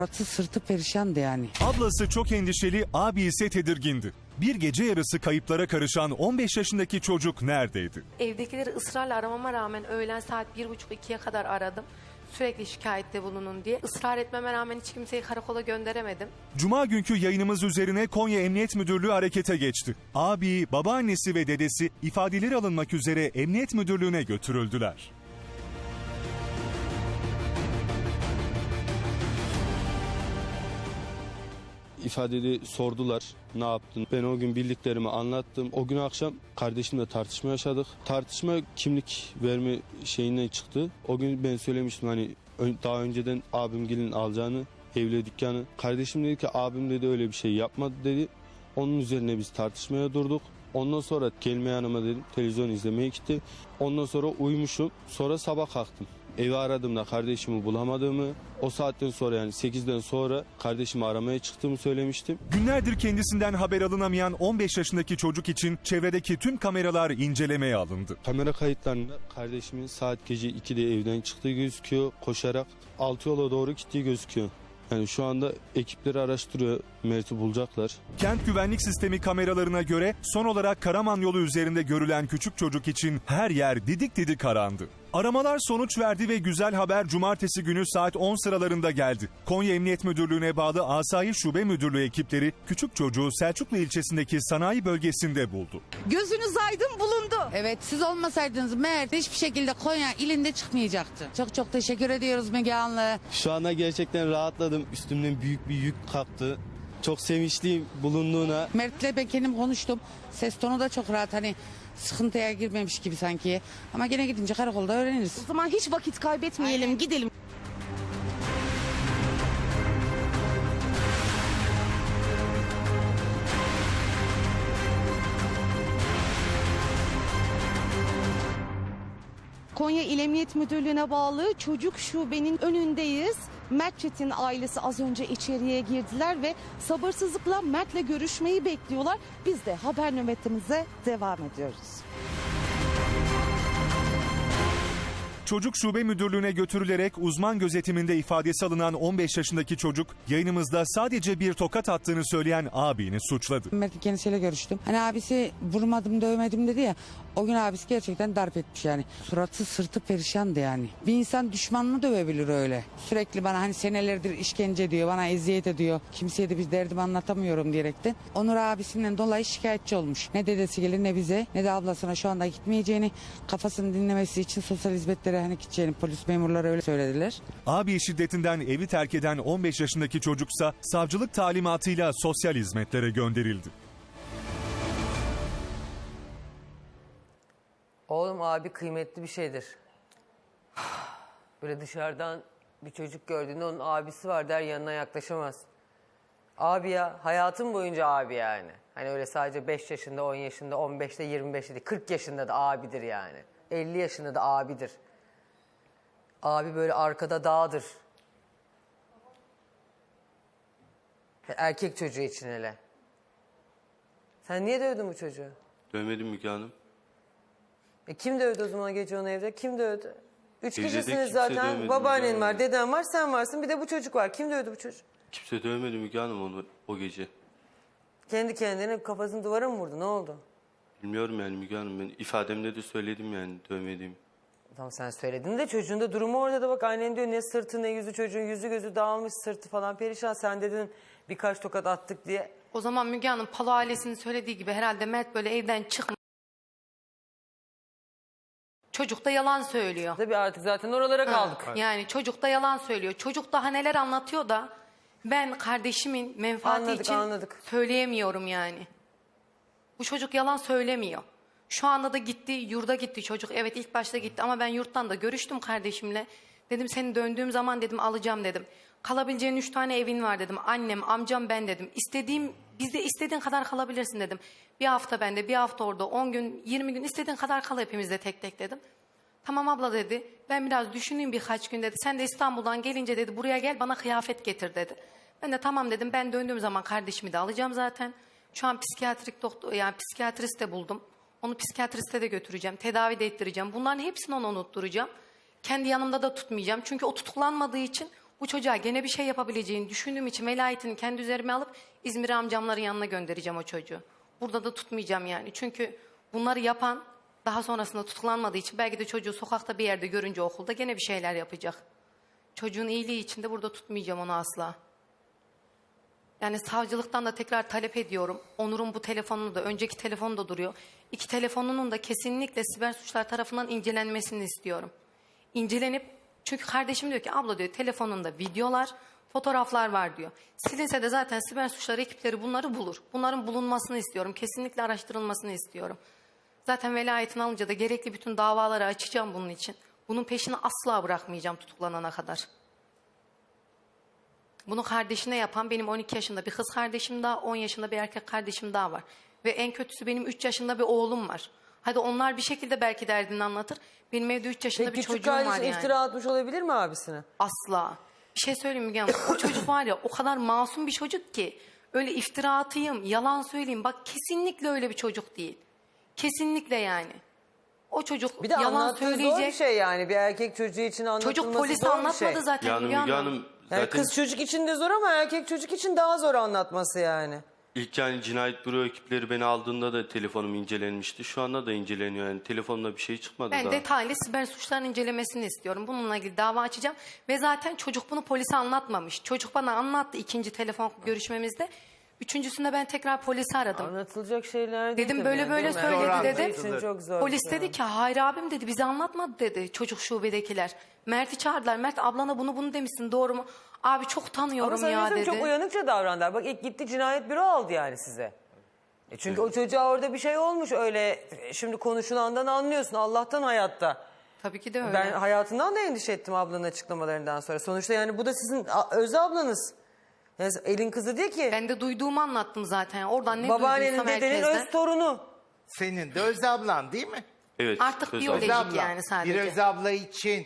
Sırtı perişandı yani. Ablası çok endişeli, abi ise tedirgindi. Bir gece yarısı kayıplara karışan 15 yaşındaki çocuk neredeydi? Evdekileri ısrarla aramama rağmen öğlen saat 1.30-2'ye kadar aradım. Sürekli şikayette bulunun diye. Israr etmeme rağmen hiç kimseyi karakola gönderemedim. Cuma günkü yayınımız üzerine Konya Emniyet Müdürlüğü harekete geçti. Abi, babaannesi ve dedesi ifadeleri alınmak üzere Emniyet Müdürlüğü'ne götürüldüler. İfadeli sordular, ne yaptın? Ben o gün bildiklerimi anlattım. O gün akşam kardeşimle tartışma yaşadık. Tartışma kimlik verme şeyinden çıktı. O gün ben söylemiştim hani daha önceden abimgilin alacağını, evle dükkanı. Kardeşim dedi ki abim dedi öyle bir şey yapmadı dedi. Onun üzerine biz tartışmaya durduk. Ondan sonra gelme yanıma dedim, televizyon izlemeye gitti. Ondan sonra uyumuşum. Sonra sabah kalktım. Evi aradığımda kardeşimi bulamadığımı, o saatten sonra yani 8'den sonra kardeşimi aramaya çıktığımı söylemiştim. Günlerdir kendisinden haber alınamayan 15 yaşındaki çocuk için çevredeki tüm kameralar incelemeye alındı. Kamera kayıtlarında kardeşimin saat gece 2'de evden çıktığı gözüküyor. Koşarak Altıyola doğru gittiği gözüküyor. Yani şu anda ekipleri araştırıyor. Mert'i bulacaklar. Kent güvenlik sistemi kameralarına göre son olarak Karaman yolu üzerinde görülen küçük çocuk için her yer didik didik karandı. Aramalar sonuç verdi ve güzel haber cumartesi günü saat 10 sıralarında geldi. Konya Emniyet Müdürlüğü'ne bağlı Asayiş Şube Müdürlüğü ekipleri küçük çocuğu Selçuklu ilçesindeki sanayi bölgesinde buldu. Gözünüz aydın bulundu. Evet, siz olmasaydınız Mert hiçbir şekilde Konya ilinde çıkmayacaktı. Çok çok teşekkür ediyoruz Müge Anlı. Şu anda gerçekten rahatladım. Üstümden büyük bir yük kalktı. Çok sevinçliyim bulunduğuna. Mert'le ben kendim konuştum. Ses tonu da çok rahat, hani sıkıntıya girmemiş gibi sanki. Ama gene gidince karakolda öğreniriz. O zaman hiç vakit kaybetmeyelim, Aynen. gidelim. Konya İl Emniyet Müdürlüğü'ne bağlı çocuk şubenin önündeyiz. Mert Çetin ailesi az önce içeriye girdiler ve sabırsızlıkla Mert'le görüşmeyi bekliyorlar. Biz de haber nöbetimize devam ediyoruz. Çocuk Şube Müdürlüğü'ne götürülerek uzman gözetiminde ifadesi alınan 15 yaşındaki çocuk yayınımızda sadece bir tokat attığını söyleyen abini suçladı. Mert'in kendisiyle görüştüm. Hani abisi vurmadım dövmedim dedi ya. O gün abisi gerçekten darp etmiş yani. Suratı sırtı perişandı yani. Bir insan düşmanını dövebilir öyle. Sürekli bana hani senelerdir işkence diyor, bana eziyet ediyor. Kimseye de bir derdimi anlatamıyorum diyerekten. Onur abisinden dolayı şikayetçi olmuş. Ne dedesi gelir ne bize ne de ablasına şu anda gitmeyeceğini, kafasını dinlemesi için sosyal hizmetlere hani gideceğini polis memurları öyle söylediler. Abi şiddetinden evi terk eden 15 yaşındaki çocuksa savcılık talimatıyla sosyal hizmetlere gönderildi. Oğlum abi kıymetli bir şeydir. Böyle dışarıdan bir çocuk gördüğünde onun abisi var der yanına yaklaşamaz. Abi ya hayatım boyunca abi yani. Hani öyle sadece 5 yaşında 10 yaşında 15'te 25'te değil 40 yaşında da abidir yani. 50 yaşında da abidir. Abi böyle arkada dağdır. Erkek çocuğu için hele. Sen niye dövdün bu çocuğu? Dövmedim Müge Hanım. Kim dövdü o zaman gece onu evde? Kim dövdü? Üç Evde de kişisiniz kimse zaten. dövmedi Babaannen Müge var, Hanım. deden var, sen varsın. Bir de bu çocuk var. Kim dövdü bu çocuğu? Kimse dövmedi Müge Hanım onu o gece. Kendi kendine kafasını duvara mı vurdu? Ne oldu? Bilmiyorum yani Müge Hanım, ben ifademde de söyledim yani dövmediğimi. Tamam sen söyledin de çocuğun da durumu orada da bak annen diyor ne sırtı ne yüzü çocuğun yüzü gözü dağılmış sırtı falan perişan. Sen dedin birkaç tokat attık diye. O zaman Müge Hanım Palo ailesinin söylediği gibi herhalde Mert böyle evden çıkmış. Çocuk da yalan söylüyor. Tabii artık zaten oralara kaldık. Yani çocuk da yalan söylüyor. Çocuk daha neler anlatıyor da ben kardeşimin menfaati Anladık, için anladık. söyleyemiyorum yani. Bu çocuk yalan söylemiyor. Şu anda da gitti, yurda gitti çocuk. Evet ilk başta gitti ama ben yurttan da görüştüm kardeşimle. Dedim seni döndüğüm zaman dedim alacağım dedim. Kalabileceğin 3 tane evin var dedim. Annem, amcam, ben dedim. Bizde istediğin kadar kalabilirsin dedim. Bir hafta bende, bir hafta orada, 10 gün, 20 gün istediğin kadar kal hepimizde tek tek dedim. Tamam abla dedi. Ben biraz düşüneyim birkaç gün dedi. Sen de İstanbul'dan gelince dedi buraya gel bana kıyafet getir dedi. Ben de tamam dedim. Ben döndüğüm zaman kardeşimi de alacağım zaten. Şu an psikiyatrik doktor yani psikiyatrist de buldum. Onu psikiyatriste de götüreceğim. Tedavi de ettireceğim. Bunların hepsini ona unutturacağım. Kendi yanımda da tutmayacağım. Çünkü o tutuklanmadığı için Bu çocuğa gene bir şey yapabileceğini düşündüğüm için velayetini kendi üzerime alıp İzmir amcamların yanına göndereceğim o çocuğu. Burada da tutmayacağım yani. Çünkü bunları yapan daha sonrasında tutuklanmadığı için belki de çocuğu sokakta bir yerde görünce okulda gene bir şeyler yapacak. Çocuğun iyiliği için de burada tutmayacağım onu asla. Yani savcılıktan da tekrar talep ediyorum. Onur'un bu telefonunu da, önceki telefonu da duruyor. 2 telefonunun da kesinlikle siber suçlar tarafından incelenmesini istiyorum. İncelenip, çünkü kardeşim diyor ki abla diyor telefonunda videolar, fotoğraflar var diyor. Silinse de zaten siber suçlar ekipleri bunları bulur. Bunların bulunmasını istiyorum. Kesinlikle araştırılmasını istiyorum. Zaten velayetini alınca da gerekli bütün davaları açacağım bunun için. Bunun peşini asla bırakmayacağım tutuklanana kadar. Bunu kardeşine yapan benim 12 yaşında bir kız kardeşim daha, 10 yaşında bir erkek kardeşim daha var. Ve en kötüsü benim 3 yaşında bir oğlum var. Hadi onlar bir şekilde belki derdini anlatır. Benim evde 3 yaşında Peki bir küçük çocuğum var kardeşin yani. iftira atmış olabilir mi abisine? Asla. Bir şey söyleyeyim Müge Hanım. O çocuk var ya o kadar masum bir çocuk ki. Öyle iftira atayım, yalan söyleyeyim. Bak kesinlikle öyle bir çocuk değil. Kesinlikle yani. O çocuk Bir de yalan anlattığı zor bir söyleyecek. şey yani. Bir erkek çocuğu için anlatılması Çocuk polise zor bir anlatmadı şey. zaten Yani Müge Müge Hanım. Hanım Yani zaten kız çocuk için de zor ama erkek çocuk için daha zor anlatması yani. ilk yani cinayet büro ekipleri beni aldığında da telefonum incelenmişti. Şu anda da inceleniyor yani telefonda bir şey çıkmadı Ben daha. detaylı siber suçların incelemesini istiyorum. Bununla ilgili dava açacağım. Ve zaten çocuk bunu polise anlatmamış. Çocuk bana anlattı 2. telefon görüşmemizde. 3.'sünde ben tekrar polisi aradım. Anlatılacak şeyler değil Dedim tabii böyle yani, böyle değil mi? söyledi Zor dedim. için çok zor. Polis bir dedi şey. ki hayır abim dedi bize anlatmadı dedi çocuk şubedekiler. Mert'i çağırdılar. Mert ablana bunu demişsin doğru mu? Abi çok Ama tanıyorum ya sanıyorsun dedi. çok uyanıkça davrandılar. Bak ilk gitti cinayet büro aldı yani size. Çünkü o çocuğa orada bir şey olmuş öyle. Şimdi konuşulandan anlıyorsun Allah'tan hayatta. Tabii ki de öyle. Ben hayatından da endişe ettim ablanın açıklamalarından sonra. Sonuçta yani bu da sizin öz ablanız. Yani elin kızı değil ki. Ben de duyduğumu anlattım zaten. Oradan ne Babaannenin duyduysam dedenin herkesten. öz torunu. Senin de Öz ablan değil mi? Evet. Artık Öz biyolojik abla. Öz abla. yani sadece. Bir Öz abla için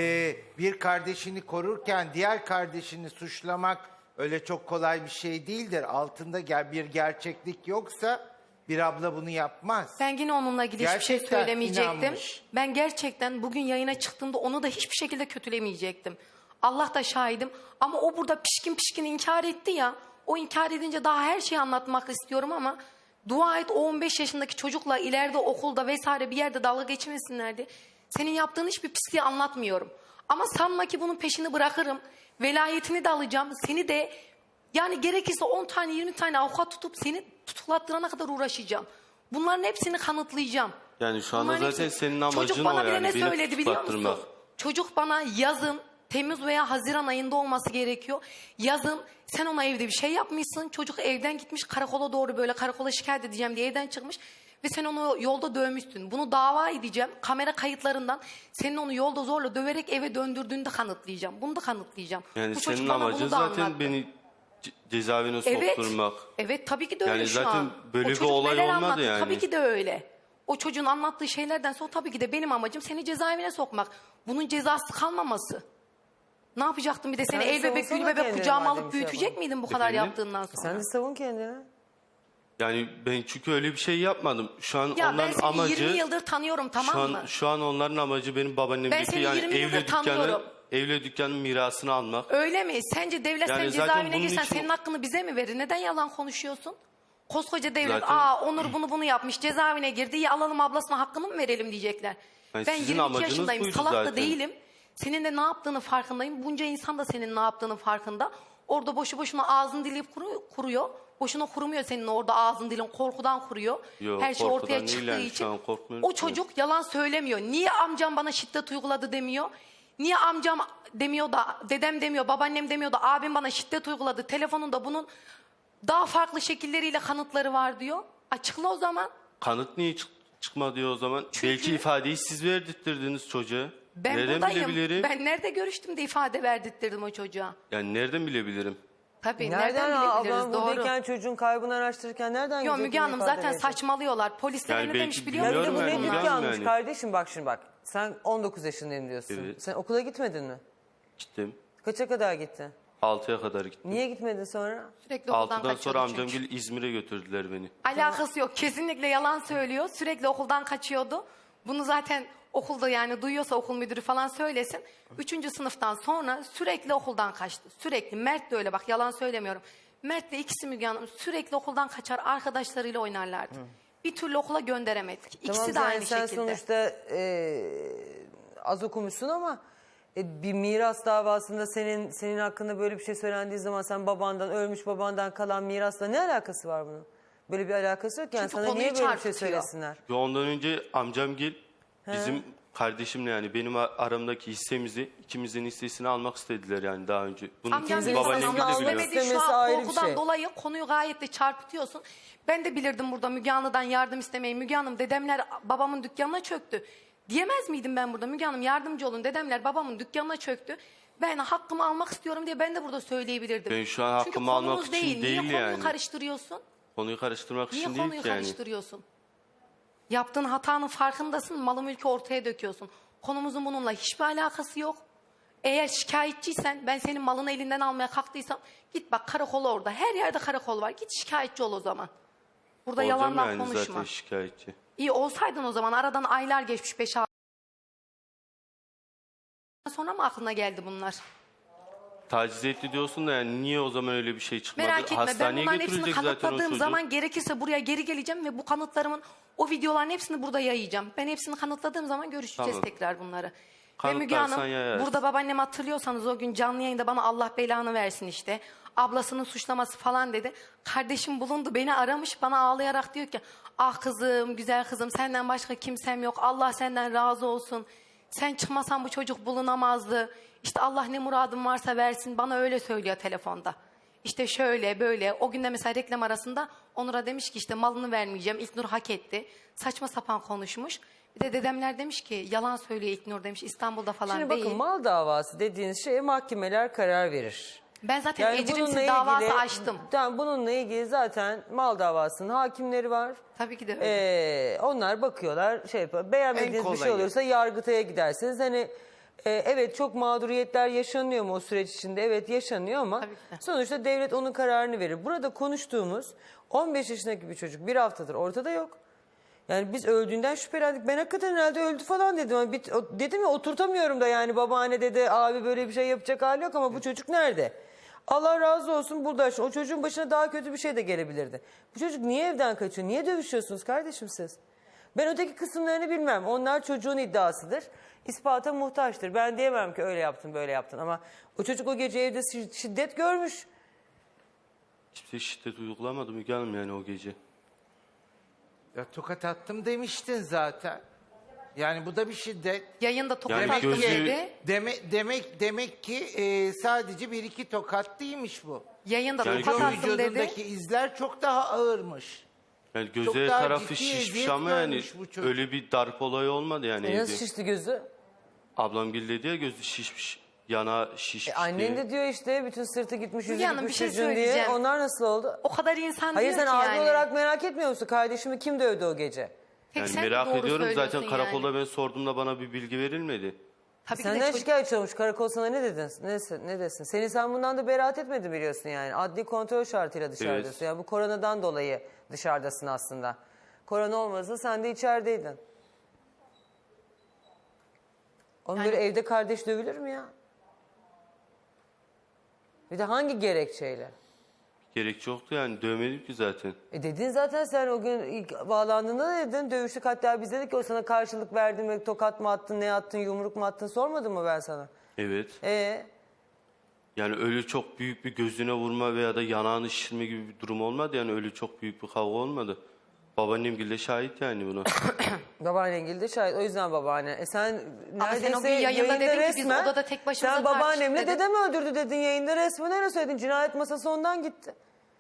bir kardeşini korurken diğer kardeşini suçlamak öyle çok kolay bir şey değildir. Altında bir gerçeklik yoksa bir abla bunu yapmaz. Ben yine onunla ilgili hiçbir şey Gerçekten söylemeyecektim. inanmış. Ben gerçekten bugün yayına çıktığımda onu da hiçbir şekilde kötülemeyecektim. Allah da şahidim. Ama o burada pişkin inkar etti ya. O inkar edince daha her şeyi anlatmak istiyorum ama dua et o 15 yaşındaki çocukla ileride okulda vesaire bir yerde dalga geçmesinlerdi. Senin yaptığın hiçbir pisliği anlatmıyorum. Ama sanma ki bunun peşini bırakırım. Velayetini de alacağım. Seni de yani gerekirse 10 tane 20 tane avukat tutup seni tutuklattırana kadar uğraşacağım. Bunların hepsini kanıtlayacağım. Yani şu anda Bunların zaten hepsini- senin amacın Çocuk bana o bile yani. ne Beni söyledi biliyor musun? tutuklattırmak. Çocuk bana yazın Temmuz veya Haziran ayında olması gerekiyor. Yazın sen ona evde bir şey yapmışsın. Çocuk evden gitmiş karakola doğru böyle karakola şikayet edeceğim diye evden çıkmış. Ve sen onu yolda dövmüşsün. Bunu dava edeceğim. Kamera kayıtlarından senin onu yolda zorla döverek eve döndürdüğünü de kanıtlayacağım. Bunu da kanıtlayacağım. Yani Bu çocuk senin bana bunu amacın da zaten anlattı. beni cezaevine Evet. sokturmak. Evet tabii ki de öyle Yani şu zaten an. böyle O bir çocuk olay neler olmadı anlattı? yani. Tabii ki de öyle. O çocuğun anlattığı şeylerden sonra tabii ki de benim amacım seni cezaevine sokmak. Bunun cezası kalmaması. Ne yapacaktım bir de seni Sen el bebek savunsana gül bebek kendini kucağıma madem alıp şey büyütecek yapalım. miydin bu kadar Efendim? yaptığından sonra? Sen de savun kendini. Yani ben çünkü öyle bir şey yapmadım. Şu an Ya ben onların seni amacı 20 yıldır tanıyorum tamam mı? şu an onların amacı benim Ben babaannemdeki seni yani 20 yıldır tanıyorum. evle dükkanın mirasını almak. Öyle mi? Sence devlet Yani sen zaten cezaevine bunun girsen için- senin hakkını bize mi verir? Neden yalan konuşuyorsun? Koskoca devlet Zaten- Onur bunu yapmış cezaevine girdi ya alalım ablasına hakkını mı verelim diyecekler. Yani Ben sizin 22 amacınız yaşındayım buydu salak da zaten. değilim. Senin de ne yaptığını farkındayım. Bunca insan da senin ne yaptığının farkında. Orada boşu boşuna ağzın dilip kuruyor. Boşuna kurumuyor senin orada ağzın dilin korkudan kuruyor. Yok, Her şey korkudan ortaya değil çıktığı yani, şu için. an korkmuyorum O ki. çocuk yalan söylemiyor. Niye amcam bana şiddet uyguladı demiyor. Niye amcam demiyor da dedem demiyor babaannem demiyor da abim bana şiddet uyguladı. Telefonunda bunun daha farklı şekilleriyle kanıtları var diyor. Açıkla o zaman. Kanıt niye çıkmadı diyor o zaman? Belki ifadeyi siz verdirttirdiniz çocuğa. Ben Nereden buradayım. bilebilirim? Ben nerede görüştüm de ifade verdirttirdim o çocuğa. Yani nereden bilebilirim? Tabii Nereden nereden bilebiliriz ablam doğru. buradayken çocuğun kaybını araştırırken nereden Yok gidecek Müge bunu Hanım ifade zaten verecek? saçmalıyorlar. Polisler Yani ne belki demiş biliyor Ya bir de musun? bu ne Bilmiyorum yani, dükkanmış yani. kardeşim bak şimdi bak. Sen 19 yaşındayım diyorsun. Evet. Sen okula gitmedin mi? Gittim. Kaça kadar gittin? 6'ya kadar gittim. Niye gitmedin sonra? Sürekli okuldan 6'dan kaçıyordu sonra çünkü. amcamgil İzmir'e götürdüler beni. Alakası yok. Kesinlikle yalan söylüyor. Sürekli okuldan kaçıyordu. Bunu zaten okulda yani duyuyorsa okul müdürü falan söylesin. 3. sınıftan sonra sürekli okuldan kaçtı. Sürekli. Mert de öyle, bak yalan söylemiyorum. Mert'le ikisi Müge Hanım sürekli okuldan kaçar, arkadaşlarıyla oynarlardı. Bir türlü okula gönderemedik. İkisi Tamam, de sen, aynı sen şekilde. sonuçta az okumuşsun ama bir miras davasında senin hakkında böyle bir şey söylendiği zaman sen ölmüş babandan kalan mirasla ne alakası var bunun? Böyle bir alakası yok yani. Çünkü Sana konuyu niye böyle bir şey çarpıtıyor. söylesinler? Ve ondan önce amcamgil bizim kardeşimle yani benim aramdaki hissemizi, ikimizin hissesini almak istediler yani daha önce. Bunu Amcam İkimizin sana babaannem anlamak de biliyor. istemedi. Şu İstemesi an ayrı bir korkudan şey. dolayı konuyu gayet de çarpıtıyorsun. Ben de bilirdim burada Müge Hanım'dan yardım istemeyi. Müge Hanım, dedemler babamın dükkanına çöktü. Diyemez miydim ben burada? Müge Hanım yardımcı olun, dedemler babamın dükkanına çöktü. Ben hakkımı almak istiyorum diye ben de burada söyleyebilirdim. Ben şu an Çünkü hakkımı almak konumuz için değil. değil Niye konuyu yani. karıştırıyorsun? Konuyu karıştırmak Niye için konuyu değil ki yani. karıştırıyorsun? Yaptığın hatanın farkındasın, malı mülkü ortaya döküyorsun. Konumuzun bununla hiçbir alakası yok. Eğer şikayetçiysen, ben senin malını elinden almaya kalktıysam git bak, karakol orada. Her yerde karakol var. Git şikayetçi ol o zaman. Burada Olacağım yalandan yani konuşma. zaten şikayetçi. İyi olsaydın o zaman, aradan aylar geçmiş, 5-6 sonra mı aklına geldi bunlar? Taciz etti diyorsun da yani niye o zaman öyle bir şey çıkmadı? Merak etme, ben Hastaneye bunların hepsini götürecek zaten o kanıtladığım çocuk. zaman gerekirse buraya geri geleceğim ve bu kanıtlarımın, o videoların hepsini burada yayacağım. Ben hepsini kanıtladığım zaman görüşeceğiz Tamam. tekrar bunları. Ve Müge Kanıtlarsan Hanım, yayarsın. burada babaannem hatırlıyorsanız o gün canlı yayında bana Allah belanı versin işte. Ablasının suçlaması falan dedi. Kardeşim bulundu, beni aramış, bana ağlayarak diyor ki ah kızım, güzel kızım, senden başka kimsem yok. Allah senden razı olsun. Sen çıkmasan bu çocuk bulunamazdı. İşte Allah ne muradın varsa versin, bana öyle söylüyor telefonda. İşte şöyle böyle. O gün de mesela reklam arasında Onur'a demiş ki işte malını vermeyeceğim. İlknur hak etti. Saçma sapan konuşmuş. Bir de dedemler demiş ki yalan söylüyor İlknur demiş. İstanbul'da falan Şimdi değil. bakın, mal davası dediğiniz şeye mahkemeler karar verir. Ben zaten bununla ecrimsiz davası açtım. Tamam, bununla ilgili zaten mal davasının hakimleri var. Tabii ki de öyle. Onlar bakıyorlar, şey yapıyor. Beğenmediğiniz En bir şey kolayı. olursa Yargıtay'a gidersiniz. Hani evet, çok mağduriyetler yaşanıyor mu o süreç içinde? Evet, yaşanıyor ama Tabii ki de. sonuçta devlet onun kararını verir. Burada konuştuğumuz 15 yaşındaki bir çocuk bir haftadır ortada yok. Yani biz öldüğünden şüphelendik. Ben hakikaten herhalde öldü falan dedim. Ama dedim ya, oturtamıyorum da yani, babaanne dedi, abi böyle bir şey yapacak hali yok ama bu çocuk nerede? Allah razı olsun burada. O çocuğun başına daha kötü bir şey de gelebilirdi. Bu çocuk niye evden kaçıyor? Niye dövüşüyorsunuz kardeşim siz? Ben öteki kısımlarını bilmem. Onlar çocuğun iddiasıdır. İspata muhtaçtır. Ben diyemem ki öyle yaptın böyle yaptın ama o çocuk o gece evde şiddet görmüş. Kimse şiddet uygulamadı Müge Hanım yani o gece. Ya tokat attım demiştin zaten. Yani bu da bir şiddet. Yayında tokat Yani attım gözü- dedi. Demek ki sadece bir iki tokat değilmiş bu. Yayında Yani tokat attım dedi. Vücudundaki izler çok daha ağırmış. Yani Çok göze daha tarafı ciddi şişmiş eziyet ama yani görmüş bu çocuk. öyle bir darp olayı olmadı yani evde. Nasıl şişti gözü? Ablam gil dedi ya gözü şişmiş. Yana şişmiş Annen diye. de diyor işte bütün sırtı gitmiş, yüzü Müge Hanım, gitmiş bir şey çocuğun diye. söyleyeceğim. Onlar nasıl oldu? O kadar insan Hayır, diyor sen ki abi yani. olarak merak etmiyor musun? Kardeşimi kim dövdü o gece? Tek Yani sen merak doğru ediyorum zaten söylüyorsun karakolda yani. ben sorduğumda bana bir bilgi verilmedi. Tabii ki de Senden çocuk- şikayetçi olmuş. Karakol sana ne dedin? Ne desin? Sen bundan da beraat etmedin biliyorsun yani. Adli kontrol şartıyla dışarıdasın. Evet. Yani bu koronadan dolayı dışarıdasın aslında. Korona olmasa sen de içerideydin. Onun böyle evde kardeş dövülür mü ya? Bir de hangi gerekçeyle? Gerekçe yoktu yani dövmedim ki zaten. Dedin zaten, sen o gün ilk bağlandığında da dedin, dövüştük, hatta biz dedik ki o sana karşılık verdi mi, tokat mı attın, ne attın, yumruk mu attın, sormadım mı ben sana? Evet. Ee, Yani öyle çok büyük bir gözüne vurma veya da yanağını şişirme gibi bir durum olmadı. Yani öyle çok büyük bir kavga olmadı. Babaannem bile şahit yani buna. Babaannen de şahit, o yüzden babaanne. Sen Ama sen neredeyse o gün yayında dedin ki biz odada tek başımıza sen tartıştık babaannemle dedin. dedem öldürdü dedin yayında, resmen öyle söyledin. Cinayet masası ondan gitti.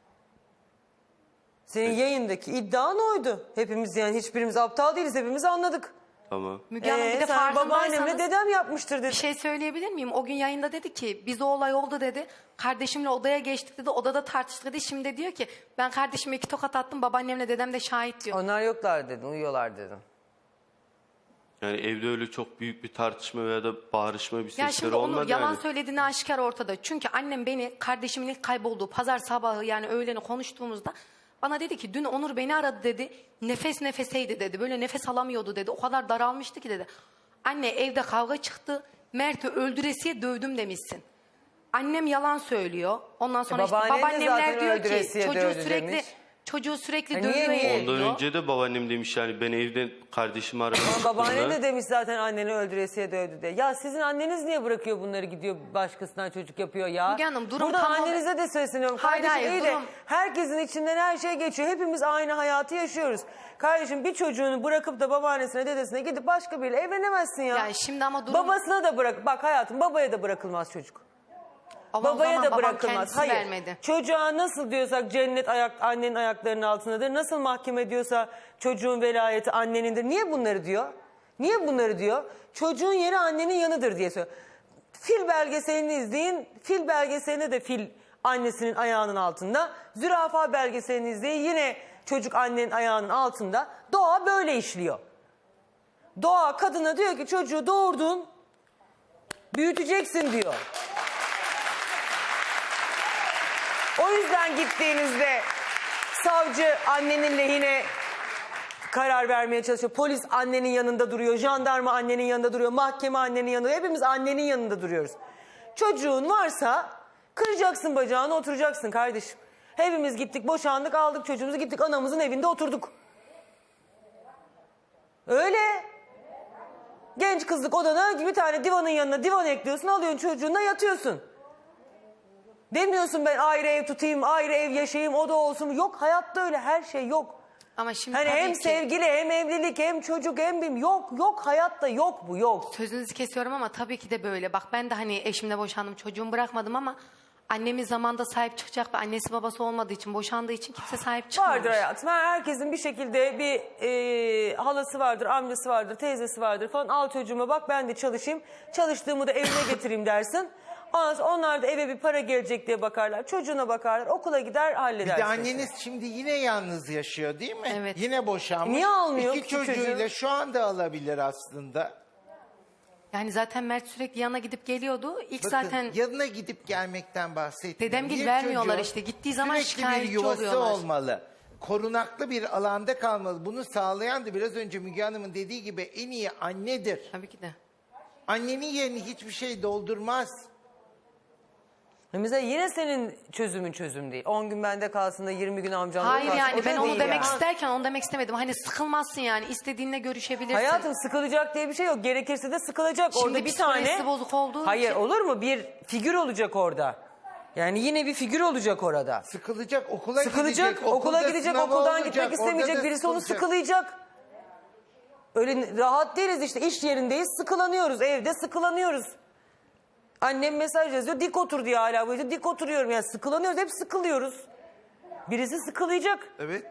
Senin yayındaki iddian oydu. Hepimiz, yani hiçbirimiz aptal değiliz, hepimiz anladık. Tamam. Müge Hanım, bir de Sen babaannemle farkındaysanız dedem yapmıştır bir dedin. şey söyleyebilir miyim? O gün yayında dedi ki biz o olay oldu dedi. Kardeşimle odaya geçtik dedi. Odada tartıştık dedi. Şimdi diyor ki ben kardeşime 2 tokat attım. Babaannemle dedem de şahit diyor. Onlar yoklar dedin, uyuyorlar dedin. Yani evde öyle çok büyük bir tartışma veya da bağırışma bir Ya sesleri şimdi onu olmadı yalan yani. söylediğini aşikar ortada. Çünkü annem beni kardeşimin ilk kaybolduğu pazar sabahı yani öğleni konuştuğumuzda bana dedi ki dün Onur beni aradı dedi. Nefes nefeseydi dedi. Böyle nefes alamıyordu dedi. O kadar daralmıştı ki dedi. Anne evde kavga çıktı. Mert'i öldüresiye dövdüm demişsin. Annem yalan söylüyor. Ondan sonra işte babaannen de babaannemler zaten diyor ki öldüresiye dövdü demiş. çocuğu sürekli niye, dövüyor. niye? ediyor. Ondan önce de babaannem demiş yani ben evden kardeşimi aradım. Babaannen de demiş zaten anneni öldüresiye dövdü diye. Ya sizin anneniz niye bırakıyor bunları, gidiyor başkasından çocuk yapıyor ya? Müge Hanım, durum Buradan tamamen- annenize de sesleniyorum. Hayır, Kardeşim hayır, iyi de durum- herkesin içinden her şey geçiyor. Hepimiz aynı hayatı yaşıyoruz. Kardeşim bir çocuğunu bırakıp da babaannesine dedesine gidip başka biriyle evlenemezsin ya. Yani şimdi ama durum... Babasına da bırak. Bak hayatım, babaya da bırakılmaz çocuk. Ama o Babaya zaman da babam bırakılmaz. kendisi Hayır. vermedi. Çocuğa nasıl diyorsak cennet annenin ayaklarının altındadır. Nasıl mahkeme diyorsa çocuğun velayeti annenindir. Niye bunları diyor? Niye bunları diyor? Çocuğun yeri annenin yanıdır diye söylüyor. Fil belgeselini izleyin. Fil belgeselinde de fil annesinin ayağının altında. Zürafa belgeselini izleyin. Yine çocuk annenin ayağının altında. Doğa böyle işliyor. Doğa kadına diyor ki çocuğu doğurdun, büyüteceksin diyor. O yüzden gittiğinizde savcı annenin lehine karar vermeye çalışıyor. Polis annenin yanında duruyor. Jandarma annenin yanında duruyor. Mahkeme annenin yanında. Hepimiz annenin yanında duruyoruz. Çocuğun varsa kıracaksın bacağını, oturacaksın kardeşim. Hepimiz gittik, boşandık, aldık çocuğumuzu, gittik anamızın evinde oturduk. Öyle. Genç kızlık odana bir tane divanın yanına divan ekliyorsun, alıyorsun çocuğunla yatıyorsun. Demiyorsun ben ayrı ev tutayım, ayrı ev yaşayayım, o da olsun. Yok, hayatta öyle her şey yok. Ama şimdi Hani tabii hem ki- sevgili hem evlilik hem çocuk hem yok hayatta yok bu yok. Sözünüzü kesiyorum ama tabii ki de böyle. Bak ben de hani eşimle boşandım, çocuğumu bırakmadım ama annemiz zamanda sahip çıkacak ve annesi babası olmadığı için, boşandığı için kimse sahip çıkmamış. Vardır hayatım. Herkesin bir şekilde bir halası vardır, amcası vardır, teyzesi vardır falan. Al çocuğuma bak ben de çalışayım. Çalıştığımı da evine getireyim dersin. Ondan sonra onlar da eve bir para gelecek diye bakarlar. Çocuğuna bakarlar, okula gider Bir halleder. de anneniz şimdi yine yalnız yaşıyor değil mi? Evet. Yine boşanmış. Niye almıyor İki küçük çocuğuyla çocuğu? şu anda alabilir aslında. Yani zaten Mert sürekli yana gidip geliyordu. İlk Bakın, zaten yanına gidip gelmekten bahsetmiyorum. Dedemgil Bir vermiyorlar çocuğun işte. Gittiği zaman sürekli bir şikayetçi yuvası oluyorlar. olmalı. Korunaklı bir alanda kalmalı. Bunu sağlayan da biraz önce Müge Hanım'ın dediği gibi en iyi annedir. tabii ki de. Annenin yerini hiçbir şey doldurmaz. Mesela yine senin çözümün çözüm değil. 10 gün bende kalsın da 20 gün amcamda Hayır kalsın. O yani da ben onu değil demek yani. isterken onu demek istemedim. Hani sıkılmazsın yani istediğinle görüşebilirsin. Hayatım sıkılacak diye bir şey yok. Gerekirse de sıkılacak. Şimdi Orada bir tane... psikolojisi bozuk olduğu Hayır için- olur mu? Bir figür olacak orada. Yani yine bir figür olacak orada. Sıkılacak, okula Sıkılacak, gidecek. okula okulda gidecek, sınavı okuldan olacak, gitmek orada istemeyecek, da birisi onu sıkılacak. sıkılayacak. Öyle rahat değiliz işte, iş yerindeyiz, sıkılanıyoruz, evde sıkılanıyoruz. Annem mesaj yazıyor, dik otur diye hala bu işte, dik oturuyorum yani sıkılanıyoruz, hep sıkılıyoruz. Birisi sıkılayacak. Evet.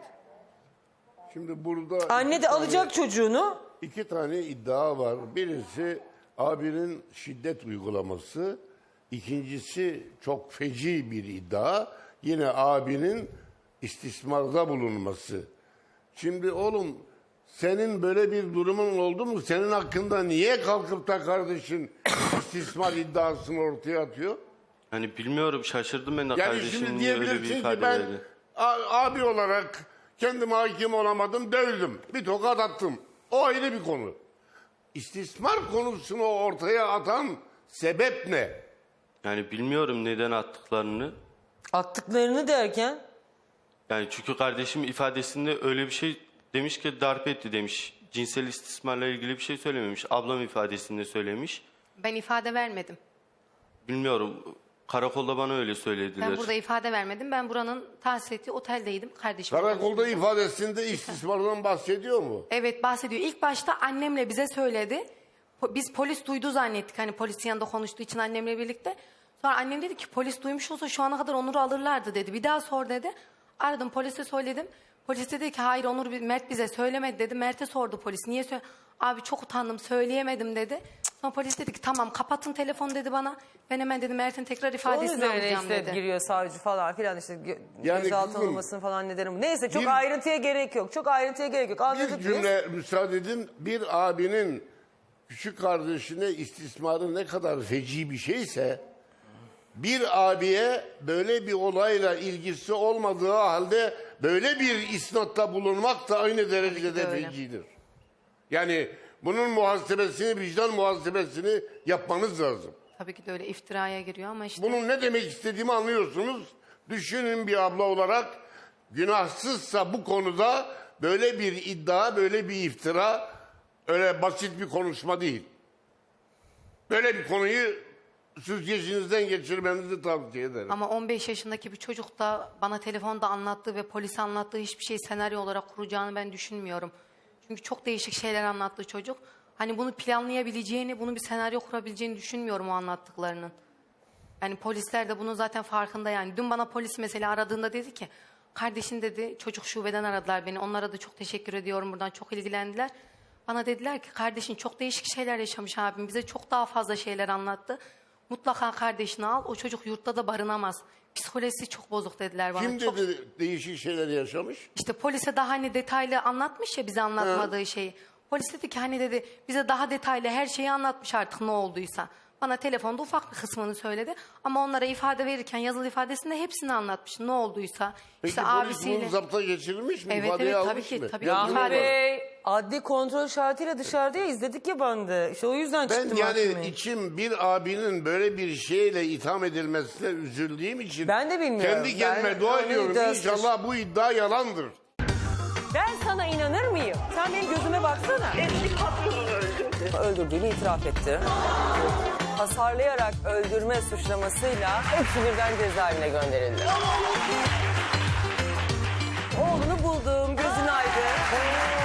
Şimdi burada Anne de alacak çocuğunu. iki tane iddia var. Birisi abinin şiddet uygulaması. İkincisi çok feci bir iddia. Yine abinin istismarda bulunması. Şimdi oğlum senin böyle bir durumun oldu mu? Senin hakkında niye kalkıp da kardeşin istismar iddiasını ortaya atıyor? Hani bilmiyorum şaşırdım ben de Yani kardeşim şimdi niye öyle bir diyebilirsin ki ifade ben verdi. abi olarak kendime hakim olamadım, dövdüm. Bir tokat attım. O ayrı bir konu. İstismar konusunu ortaya atan sebep ne? Yani bilmiyorum neden attıklarını. Attıklarını derken Yani çünkü kardeşim ifadesinde öyle bir şey demiş ki darp etti demiş. Cinsel istismarla ilgili bir şey söylememiş. Ablam ifadesinde söylemiş. Ben ifade vermedim. Bilmiyorum. Karakolda bana öyle söylediler. Ben burada ifade vermedim. Ben buranın tahsis ettiği oteldeydim. Kardeşim. Karakolda ifadesinde istismardan bahsediyor mu? Evet bahsediyor. İlk başta annemle bize söyledi. Biz polis duydu zannettik. Hani polisin yanında konuştuğu için annemle birlikte. Sonra annem dedi ki polis duymuş olsa şu ana kadar Onur'u alırlardı dedi. Bir daha sor dedi. Aradım polise söyledim. Polis dedi ki hayır Mert bize söylemedi dedi. Mert'e sordu polis. Niye söyle? Abi çok utandım söyleyemedim dedi. Sonra polis dedi ki tamam kapatın telefonu dedi bana. Ben hemen dedi Mert'in tekrar onun ifadesini üzerine alacağım işte dedi. giriyor savcı falan filan işte Yani gözaltına kızım, alınmasını falan neden. Neyse çok bir- ayrıntıya gerek yok. Çok ayrıntıya gerek yok. Anladık Bir biz. cümle müsaade edin. Bir abinin küçük kardeşine istismarı ne kadar feci bir şeyse bir abiye böyle bir olayla ilgisi olmadığı halde böyle bir isnatta bulunmak da aynı derecede öyle. fecidir. Yani Bunun muhasebesini, vicdan muhasebesini yapmanız lazım. Tabii ki de öyle iftiraya giriyor ama işte Bunun ne demek istediğimi anlıyorsunuz. Düşünün bir abla olarak, günahsızsa bu konuda böyle bir iddia, böyle bir iftira öyle basit bir konuşma değil. Böyle bir konuyu süzgecinizden geçirmenizi tavsiye ederim. ama 15 yaşındaki bir çocuk da bana telefonda anlattığı ve polise anlattığı hiçbir şey senaryo olarak kuracağını ben düşünmüyorum. Çünkü çok değişik şeyler anlattı çocuk. Hani bunu planlayabileceğini, bunu bir senaryo kurabileceğini düşünmüyorum o anlattıklarının. Yani polisler de bunun zaten farkında yani. Dün bana polis mesela aradığında dedi ki, kardeşin dedi, çocuk şubeden aradılar beni. Onlara da çok teşekkür ediyorum, buradan çok ilgilendiler. Bana dediler ki kardeşin çok değişik şeyler yaşamış abim. Bize çok daha fazla şeyler anlattı. Mutlaka kardeşini al, o çocuk yurtta da barınamaz. Psikolojisi çok bozuk dediler bana. Kim Çok... dedi değişik şeyler yaşamış? İşte polise daha hani detaylı anlatmış ya bize anlatmadığı şeyi. Polis dedi ki hani dedi bize daha detaylı her şeyi anlatmış artık ne olduysa. Bana telefonda ufak bir kısmını söyledi. Ama onlara ifade verirken yazılı ifadesinde hepsini anlatmış ne olduysa. Peki işte polis abisiyle. bunu zapta geçirilmiş mi? Evet, İfadeyi evet, tabii almış ki, mı? tabii. Ya Rahmi İfade- Bey adli kontrol şartıyla dışarıda ya, izledik ya bandı. İşte o yüzden ben çıktım yani mahkemeye. içim bir abinin böyle bir şeyle itham edilmesine üzüldüğüm için Ben de bilmiyorum. kendi kendime Ben dua onun ediyorum. iddiasıdır. İnşallah bu iddia yalandır. Ben sana inanır mıyım? Sen benim gözüme baksana. Eski patronunu öldürdü. Öldürdüğünü itiraf etti. Hasarlayarak öldürme suçlamasıyla hepsi birden cezaevine gönderildi. Oğlunu buldum, gözün aydın.